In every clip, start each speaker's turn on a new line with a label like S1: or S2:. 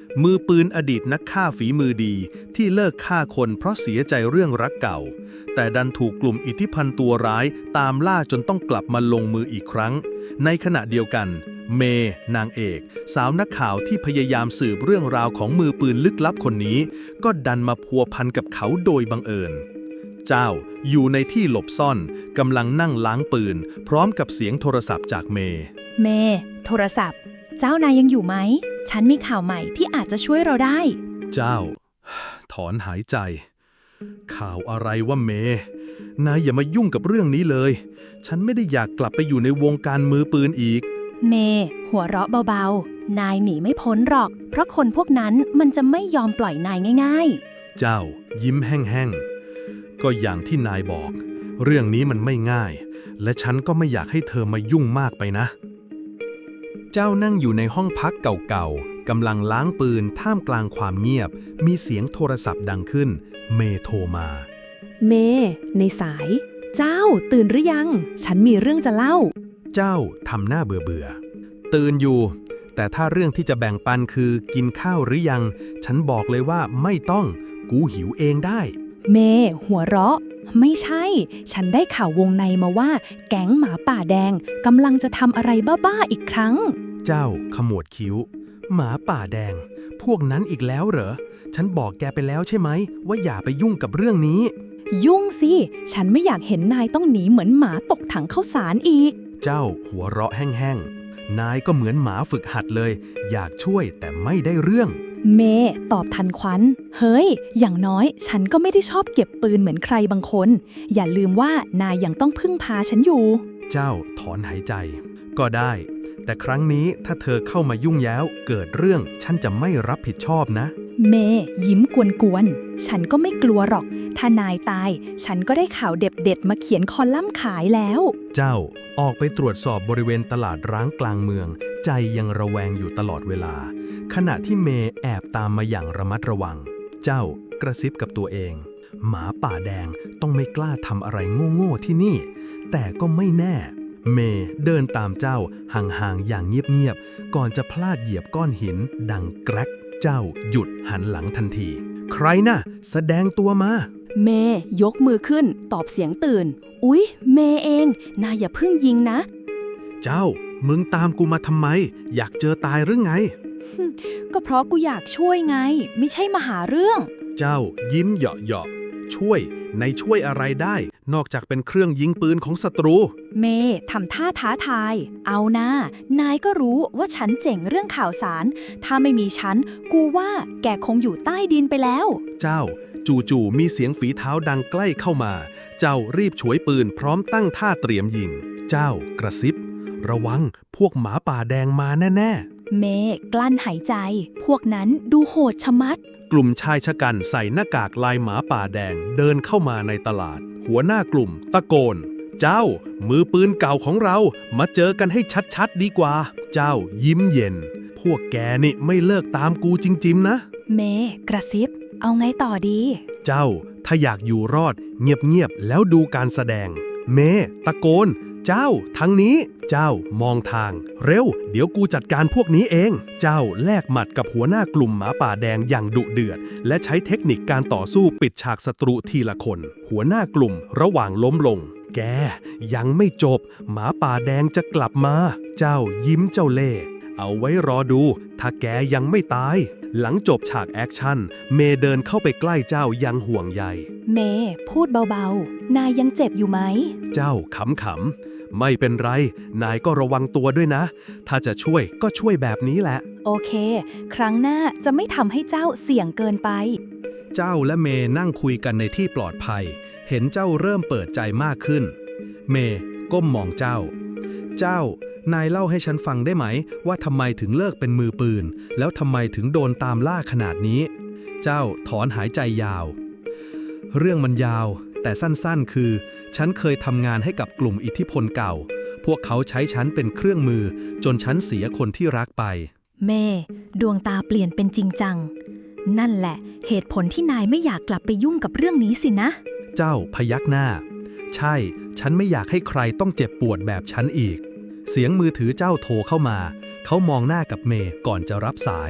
S1: มือปืนอดีตนักฆ่าฝีมือดีที่เลิกฆ่าคนเพราะเสียใจเรื่องรักเก่าแต่ดันถูกกลุ่มอิทธิพันธ์ตัวร้ายตามล่าจนต้องกลับมาลงมืออีกครั้งในขณะเดียวกันเมย์นางเอกสาวนักข่าวที่พยายามสืบเรื่องราวของมือปืนลึกลับคนนี้ก็ดันมาพัวพันกับเขาโดยบังเอิญเจ้าอยู่ในที่หลบซ่อนกำลังนั่งล้างปืนพร้อมกับเสียงโทรศัพท์จากเมย์
S2: โทรศัพท์เจ้านายยังอยู่ไหมฉันมีข่าวใหม่ที่อาจจะช่วยเราได้
S1: เจ้าถอนหายใจข่าวอะไรวะเมย์นายอย่ามายุ่งกับเรื่องนี้เลยฉันไม่ได้อยากกลับไปอยู่ในวงการมือปืนอีก
S2: เมย์หัวเราะเบาๆนายหนีไม่พ้นหรอกเพราะคนพวกนั้นมันจะไม่ยอมปล่อยนายง่าย
S1: ๆเจ้ายิ้มแห้งๆก็อย่างที่นายบอกเรื่องนี้มันไม่ง่ายและฉันก็ไม่อยากให้เธอมายุ่งมากไปนะเจ้านั่งอยู่ในห้องพักเก่าๆกำลังล้างปืนท่ามกลางความเงียบมีเสียงโทรศัพท์ดังขึ้นเมย์โทรมา
S2: เมย์ในสายเจ้าตื่นหรือยังฉันมีเรื่องจะเล่า
S1: เจ้าทำหน้าเบื่อตื่นอยู่แต่ถ้าเรื่องที่จะแบ่งปันคือกินข้าวหรือยังฉันบอกเลยว่าไม่ต้องกูหิวเองได้
S2: เมย์หัวเราะไม่ใช่ฉันได้ข่าววงในมาว่าแก๊งหมาป่าแดงกำลังจะทำอะไรบ้าๆอีกครั้ง
S1: เจ้าขมวดคิ้วหมาป่าแดงพวกนั้นอีกแล้วเหรอฉันบอกแกไปแล้วใช่ไหมว่าอย่าไปยุ่งกับเรื่องนี้
S2: ยุ่งสิฉันไม่อยากเห็นนายต้องหนีเหมือนหมาตกถังข้าวสารอีก
S1: เจ้าหัวเราะแห้งๆนายก็เหมือนหมาฝึกหัดเลยอยากช่วยแต่ไม่ได้เรื่อง
S2: เมย์ตอบทันควันเฮ้ยอย่างน้อยฉันก็ไม่ได้ชอบเก็บปืนเหมือนใครบางคนอย่าลืมว่านายยังต้องพึ่งพาฉันอยู่
S1: เจ้าถอนหายใจก็ได้แต่ครั้งนี้ถ้าเธอเข้ามายุ่งแย้วเกิดเรื่องฉันจะไม่รับผิดชอบนะ
S2: เมย์ยิ้มกวนๆฉันก็ไม่กลัวหรอกถ้านายตายฉันก็ได้ข่าวเด็ดๆมาเขียนคอลัมน์ขายแล้ว
S1: เจ้าออกไปตรวจสอบบริเวณตลาดร้างกลางเมืองใจยังระแวงอยู่ตลอดเวลาขณะที่เมย์แอบตามมาอย่างระมัดระวังเจ้ากระซิบกับตัวเองหมาป่าแดงต้องไม่กล้าทำอะไรโง่ๆที่นี่แต่ก็ไม่แน่เมย์เดินตามเจ้าห่างๆอย่างเงียบๆก่อนจะพลาดเหยียบก้อนหินดังแกรกเจ้าหยุดหันหลังทันทีใครน่ะแสดงตัวมา
S2: เมย์ยกมือขึ้นตอบเสียงตื่นอุ๊ยเมย์เองนายอย่าเพิ่งยิงนะ
S1: เจ้ามึงตามกูมาทำไมอยากเจอตายหรือไง
S2: ก็เพราะกูอยากช่วยไงไม่ใช่มาหาเรื่อง
S1: เจ้ายิ้มเหยาะๆช่วยในช่วยอะไรได้นอกจากเป็นเครื่องยิงปืนของศัตรู
S2: เมย์ทำท่าท้าทายเอานะนายก็รู้ว่าฉันเจ๋งเรื่องข่าวสารถ้าไม่มีฉันกูว่าแกคงอยู่ใต้ดินไปแล้ว
S1: เจ้าจู่ๆมีเสียงฝีเท้าดังใกล้เข้ามาเจ้ารีบฉวยปืนพร้อมตั้งท่าเตรียมยิงเจ้ากระซิบระวังพวกหมาป่าแดงมาแน่
S2: ๆเมย์กลั้นหายใจพวกนั้นดูโหดชะมัด
S1: กลุ่มชายชะกันใส่หน้ากากลายหมาป่าแดงเดินเข้ามาในตลาดหัวหน้ากลุ่มตะโกนเจ้ามือปืนเก่าของเรามาเจอกันให้ชัดๆดีกว่าเจ้ายิ้มเย็นพวกแกนี่ไม่เลิกตามกูจริงๆนะ
S2: เมย์กระซิบเอาไงต่อดี
S1: เจ้าถ้าอยากอยู่รอดเงียบๆแล้วดูการแสดงเมย์ตะโกนเจ้าทางนี้เจ้ามองทางเร็วเดี๋ยวกูจัดการพวกนี้เองเจ้าแลกหมัดกับหัวหน้ากลุ่มหมาป่าแดงอย่างดุเดือดและใช้เทคนิคการต่อสู้ปิดฉากศัตรูทีละคนหัวหน้ากลุ่มระหว่างล้มลงแกยังไม่จบหมาป่าแดงจะกลับมาเจ้ายิ้มเจ้าเล่ห์เอาไว้รอดูถ้าแกยังไม่ตายหลังจบฉากแอคชั่นเมย์เดินเข้าไปใกล้เจ้ายังห่วงใย
S2: เมย์พูดเบาๆนายยังเจ็บอยู่ไหม
S1: เจ้าขำๆไม่เป็นไรนายก็ระวังตัวด้วยนะถ้าจะช่วยก็ช่วยแบบนี้แหละ
S2: โอเคครั้งหน้าจะไม่ทำให้เจ้าเสี่ยงเกินไป
S1: เจ้าและเมย์นั่งคุยกันในที่ปลอดภัยเห็นเจ้าเริ่มเปิดใจมากขึ้นเมย์ก้มมองเจ้านายเล่าให้ฉันฟังได้ไหมว่าทำไมถึงเลิกเป็นมือปืนแล้วทำไมถึงโดนตามล่าขนาดนี้เจ้าถอนหายใจยาวเรื่องมันยาวแต่สั้นๆคือฉันเคยทำงานให้กับกลุ่มอิทธิพลเก่าพวกเขาใช้ฉันเป็นเครื่องมือจนฉันเสียคนที่รักไป
S2: เมย์ดวงตาเปลี่ยนเป็นจริงจังนั่นแหละเหตุผลที่นายไม่อยากกลับไปยุ่งกับเรื่องนี้สินะ
S1: เจ้าพยักหน้าใช่ฉันไม่อยากให้ใครต้องเจ็บปวดแบบฉันอีกเสียงมือถือเจ้าโทรเข้ามาเขามองหน้ากับเมย์ก่อนจะรับสาย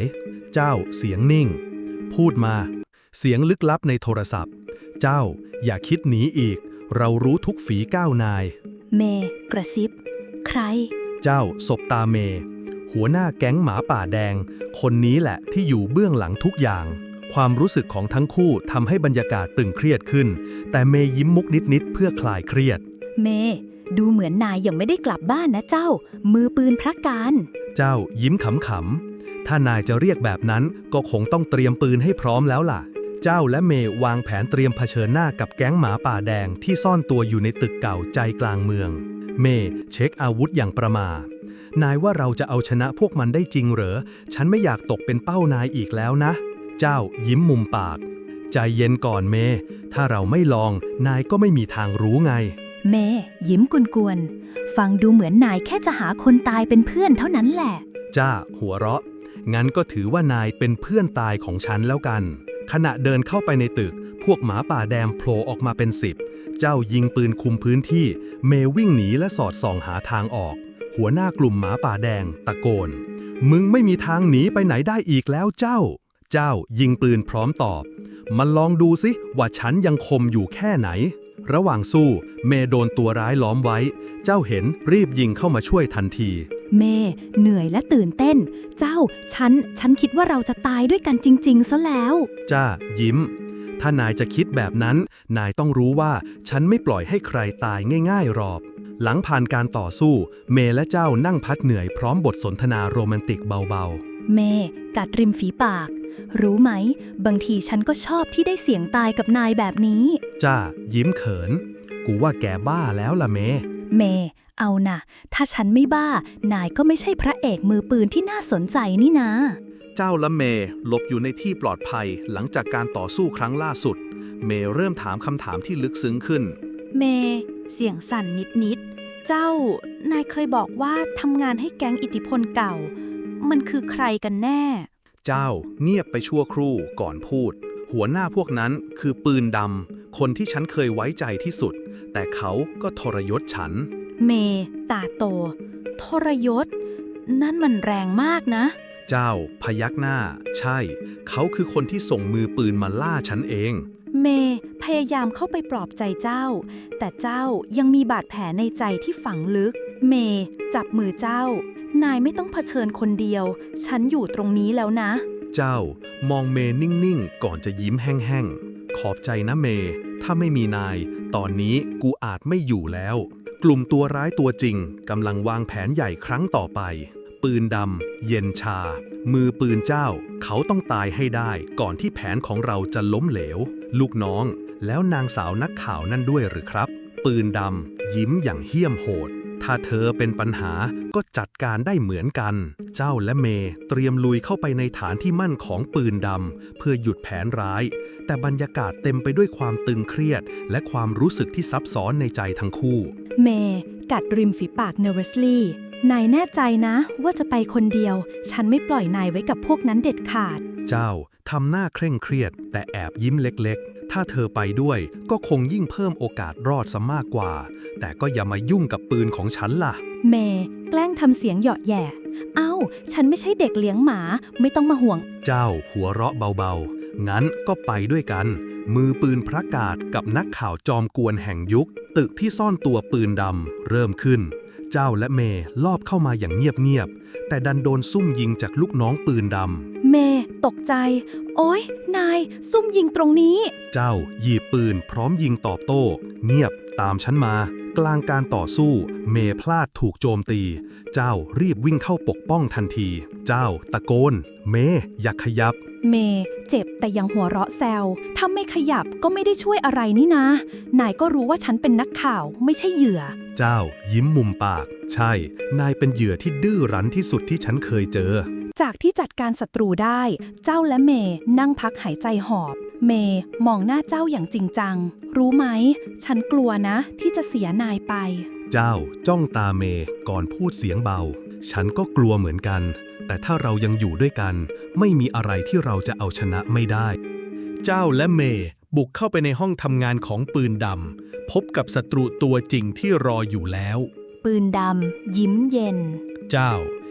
S1: เจ้าเสียงนิ่งพูดมาเสียงลึกลับในโทรศัพท์เจ้าอย่าคิดหนีอีกเรารู้ทุกฝีก้าวนาย
S2: เมย์กระซิบใคร
S1: เจ้าสบตาเมย์หัวหน้าแก๊งหมาป่าแดงคนนี้แหละที่อยู่เบื้องหลังทุกอย่างความรู้สึกของทั้งคู่ทำให้บรรยากาศตึงเครียดขึ้นแต่เมย์ยิ้มมุกนิดๆเพื่อคลายเครียด
S2: เมย์ดูเหมือนนายยังไม่ได้กลับบ้านนะเจ้ามือปืนพระการ
S1: เจ้ายิ้มขำๆถ้านายจะเรียกแบบนั้นก็คงต้องเตรียมปืนให้พร้อมแล้วล่ะเจ้าและเมย์วางแผนเตรียมเผชิญหน้ากับแก๊งหมาป่าแดงที่ซ่อนตัวอยู่ในตึกเก่าใจกลางเมืองเมย์เช็คอาวุธอย่างประมาทนายว่าเราจะเอาชนะพวกมันได้จริงเหรอฉันไม่อยากตกเป็นเป้านายอีกแล้วนะเจ้ายิ้มมุมปากใจเย็นก่อนเมย์ถ้าเราไม่ลองนายก็ไม่มีทางรู้ไง
S2: เมย์ยิ้มกวนๆฟังดูเหมือนนายแค่จะหาคนตายเป็นเพื่อนเท่านั้นแหละ
S1: จ้าหัวเราะงั้นก็ถือว่านายเป็นเพื่อนตายของฉันแล้วกันขณะเดินเข้าไปในตึกพวกหมาป่าแดงโผล่ออกมาเป็น10เจ้ายิงปืนคุมพื้นที่เมย์วิ่งหนีและสอดส่องหาทางออกหัวหน้ากลุ่มหมาป่าแดงตะโกนมึงไม่มีทางหนีไปไหนได้อีกแล้วเจ้ายิงปืนพร้อมตอบมันลองดูสิว่าฉันยังคมอยู่แค่ไหนระหว่างสู้เมย์โดนตัวร้ายล้อมไว้เจ้าเห็นรีบยิงเข้ามาช่วยทันที
S2: เมย์เหนื่อยและตื่นเต้นเจ้าฉันคิดว่าเราจะตายด้วยกันจริงๆซะแล้ว
S1: จ้ายิ้มถ้านายจะคิดแบบนั้นนายต้องรู้ว่าฉันไม่ปล่อยให้ใครตายง่ายๆหรอกหลังผ่านการต่อสู้เมย์และเจ้านั่งพักเหนื่อยพร้อมบทสนทนาโรแมนติกเบา
S2: ๆเมย์กัดริมฝีปากรู้ไหมบางทีฉันก็ชอบที่ได้เสี่ยงตายกับนายแบบนี้
S1: จ้ายิ้มเขินกูว่าแกบ้าแล้วล่ะเมย์
S2: เอานะถ้าฉันไม่บ้านายก็ไม่ใช่พระเอกมือปืนที่น่าสนใจนี่นะ
S1: เจ้าและเมย์หลบอยู่ในที่ปลอดภัยหลังจากการต่อสู้ครั้งล่าสุดเมย์เริ่มถามคำถามที่ลึกซึ้งขึ้น
S2: เมย์เสียงสั่นนิดเจ้านายเคยบอกว่าทำงานให้แก๊งอิทธิพลเก่ามันคือใครกันแน่
S1: เจ้าเงียบไปชั่วครู่ก่อนพูดหัวหน้าพวกนั้นคือปืนดำคนที่ฉันเคยไว้ใจที่สุดแต่เขาก็ทรยศฉัน
S2: เมย์ตาโตทรยศนั่นมันแรงมากนะ
S1: เจ้าพยักหน้าใช่เขาคือคนที่ส่งมือปืนมาล่าฉันเอง
S2: เมย์พยายามเข้าไปปลอบใจเจ้าแต่เจ้ายังมีบาดแผลในใจที่ฝังลึกเมย์จับมือเจ้านายไม่ต้องเผชิญคนเดียวฉันอยู่ตรงนี้แล้วนะ
S1: เจ้ามองเมย์นิ่งๆก่อนจะยิ้มแห้งๆขอบใจนะเมย์ถ้าไม่มีนายตอนนี้กูอาจไม่อยู่แล้วกลุ่มตัวร้ายตัวจริงกำลังวางแผนใหญ่ครั้งต่อไปปืนดำเย็นชามือปืนเจ้าเขาต้องตายให้ได้ก่อนที่แผนของเราจะล้มเหลวลูกน้องแล้วนางสาวนักข่าวนั่นด้วยหรือครับปืนดำยิ้มอย่างเหี้ยมโหดถ้าเธอเป็นปัญหาก็จัดการได้เหมือนกันเจ้าและเมย์เตรียมลุยเข้าไปในฐานที่มั่นของปืนดำเพื่อหยุดแผนร้ายแต่บรรยากาศเต็มไปด้วยความตึงเครียดและความรู้สึกที่ซับซ้อนในใจทั้งคู่
S2: เมย์กัดริมฝีปาก nervously นายแน่ใจนะว่าจะไปคนเดียวฉันไม่ปล่อยนายไว้กับพวกนั้นเด็ดขาด
S1: เจ้าทำหน้าเคร่งเครียดแต่แอบยิ้มเล็กๆถ้าเธอไปด้วยก็คงยิ่งเพิ่มโอกาสรอดซะมากกว่าแต่ก็อย่ามายุ่งกับปืนของฉันล่ะ
S2: เมย์แกล้งทำเสียงเหยาะแย่เอ้าฉันไม่ใช่เด็กเลี้ยงหมาไม่ต้องมาห่วง
S1: เจ้าหัวเราะเบาๆงั้นก็ไปด้วยกันมือปืนพระกาศกับนักข่าวจอมกวนแห่งยุคตึกที่ซ่อนตัวปืนดำเริ่มขึ้นเจ้าและเมย์ลอบเข้ามาอย่างเงียบๆแต่ดันโดนซุ่มยิงจากลูกน้องปืนด
S2: ำเมย์ตกใจโอ๊ยนายซุ่มยิงตรงนี้
S1: เจ้าหยิบปืนพร้อมยิงตอบโต้เงียบตามฉันมากลางการต่อสู้เมย์พลาดถูกโจมตีเจ้ารีบวิ่งเข้าปกป้องทันทีเจ้าตะโกนเมย์อย่าขยับ
S2: เมย์เจ็บแต่ยังหัวเราะแซวถ้าไม่ขยับก็ไม่ได้ช่วยอะไรนี่นะนายก็รู้ว่าฉันเป็นนักข่าวไม่ใช่เหยื่อ
S1: เจ้ายิ้มมุมปากใช่นายเป็นเหยื่อที่ดื้อรั้นที่สุดที่ฉันเคยเจอ
S2: จากที่จัดการศัตรูได้เจ้าและเมย์นั่งพักหายใจหอบเมย์มองหน้าเจ้าอย่างจริงจังรู้ไหมฉันกลัวนะที่จะเสียนายไป
S1: เจ้าจ้องตาเมย์ก่อนพูดเสียงเบาฉันก็กลัวเหมือนกันแต่ถ้าเรายังอยู่ด้วยกันไม่มีอะไรที่เราจะเอาชนะไม่ได้เจ้าและเมย์บุกเข้าไปในห้องทำงานของปืนดำพบกับศัตรูตัวจริงที่รออยู่แล้ว
S2: ปืนดำยิ้มเย็น
S1: เจ้า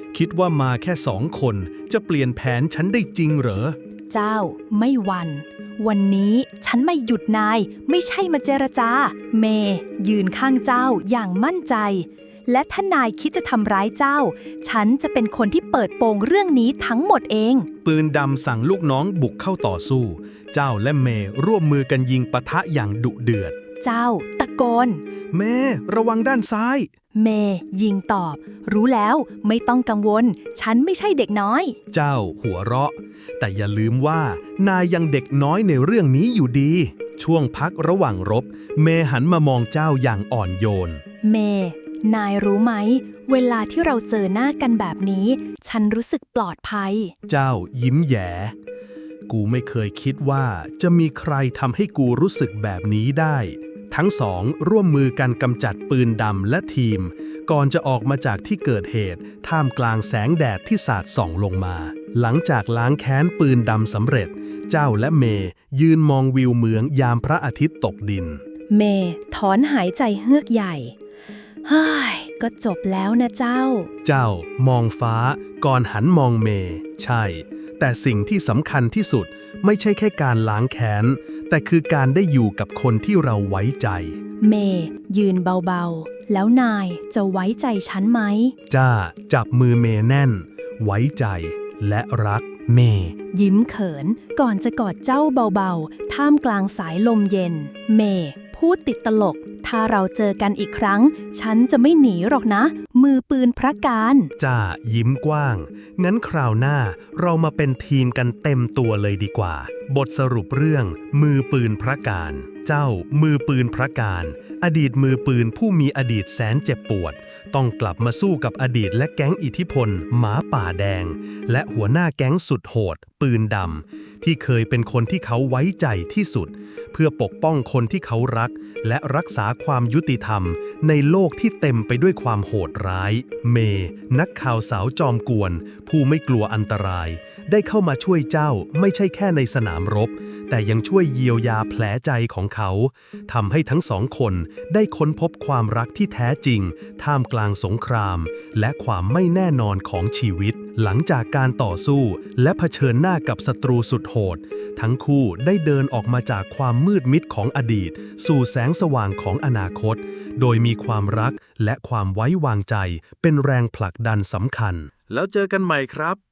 S1: คิดว่ามาแค่2 คนจะเปลี่ยนแผนฉันได้จริงเหรอ
S2: เจ้าไม่หวั่นวันนี้ฉันไม่หยุดนายไม่ใช่มาเจรจา เมย์ยืนข้างเจ้าอย่างมั่นใจ และถ้านายคิดจะทำร้ายเจ้า ฉันจะเป็นคนที่เปิดโปงเรื่องนี้ทั้งหมดเอง
S1: ปืนดำสั่งลูกน้องบุกเข้าต่อสู้ เจ้าและเมย์ร่วมมือกันยิงปะทะอย่างดุเดือด
S2: เจ้าตะโกน
S1: เมย์ระวังด้านซ้าย
S2: เมย์ยิงตอบ รู้แล้วไม่ต้องกังวล ฉันไม่ใช่เด็กน้อย
S1: เจ้าหัวเราะ แต่อย่าลืมว่านายยังเด็กน้อยในเรื่องนี้อยู่ดี ช่วงพักระหว่างรบ เมย์หันมามองเจ้าอย่างอ่อนโยน
S2: เมย์นายรู้ไหม เวลาที่เราเจอหน้ากันแบบนี้ ฉันรู้สึกปลอดภัย
S1: เจ้ายิ้มแย้ กูไม่เคยคิดว่าจะมีใครทำให้กูรู้สึกแบบนี้ได้ ทั้งสองร่วมมือกันกำจัดปืนดำและทีม ก่อนจะออกมาจากที่เกิดเหตุท่ามกลางแสงแดดที่สาดส่องลงมา หลังจากล้างแค้นปืนดำสำเร็จ เจ้าและเมย์ยืนมองวิวเมืองยามพระอาทิตย์ตกดิน
S2: เมย์ถอนหายใจเฮือกใหญ่ เฮ้ย ก็จบแล้วนะเจ้า
S1: เจ้ามองฟ้าก่อนหันมองเมย์ใช่ แต่สิ่งที่สำคัญที่สุดไม่ใช่แค่การล้างแค้น แต่คือการได้อยู่กับคนที่เราไว้ใจ
S2: เมย์ยืนเบาๆ แล้วนายจะไว้ใจฉันไหม
S1: จ้าจับมือเมย์แน่น ไว้ใจและรักเมย์
S2: ยิ้มเขินก่อนจะกอดเจ้าเบาๆ ท่ามกลางสายลมเย็น เมย์พูดติดตลก ถ้าเราเจอกันอีกครั้ง ฉันจะไม่หนีหรอกนะ มือปืนพระการ
S1: จ้ายิ้มกว้าง งั้นคราวหน้าเรามาเป็นทีมกันเต็มตัวเลยดีกว่า บทสรุปเรื่องมือปืนพระการ เจ้ามือปืนพระการ อดีตมือปืนผู้มีอดีตแสนเจ็บปวด ต้องกลับมาสู้กับอดีตและแก๊งอิทธิพลหมาป่าแดง และหัวหน้าแก๊งสุดโหด ปืนดำที่เคยเป็นคนที่เขาไว้ใจที่สุด เพื่อปกป้องคนที่เขารัก และรักษาความยุติธรรมในโลกที่เต็มไปด้วยความโหดร้าย เมย์นักข่าวสาวจอมกวน ผู้ไม่กลัวอันตราย ได้เข้ามาช่วยเจ้าไม่ใช่แค่ในสนามรบ แต่ยังช่วยเยียวยาแผลใจของเขาทำให้ทั้ง2 คนได้ค้นพบความรักที่แท้จริง ท่ามกลางสงคราม และความไม่แน่นอนของชีวิต หลังจากการต่อสู้และเผชิญหน้ากับศัตรูสุดโหด ทั้งคู่ได้เดินออกมาจากความมืดมิดของอดีต สู่แสงสว่างของอนาคต โดยมีความรักและความไว้วางใจเป็นแรงผลักดันสำคัญ แล้วเจอกันใหม่ครับ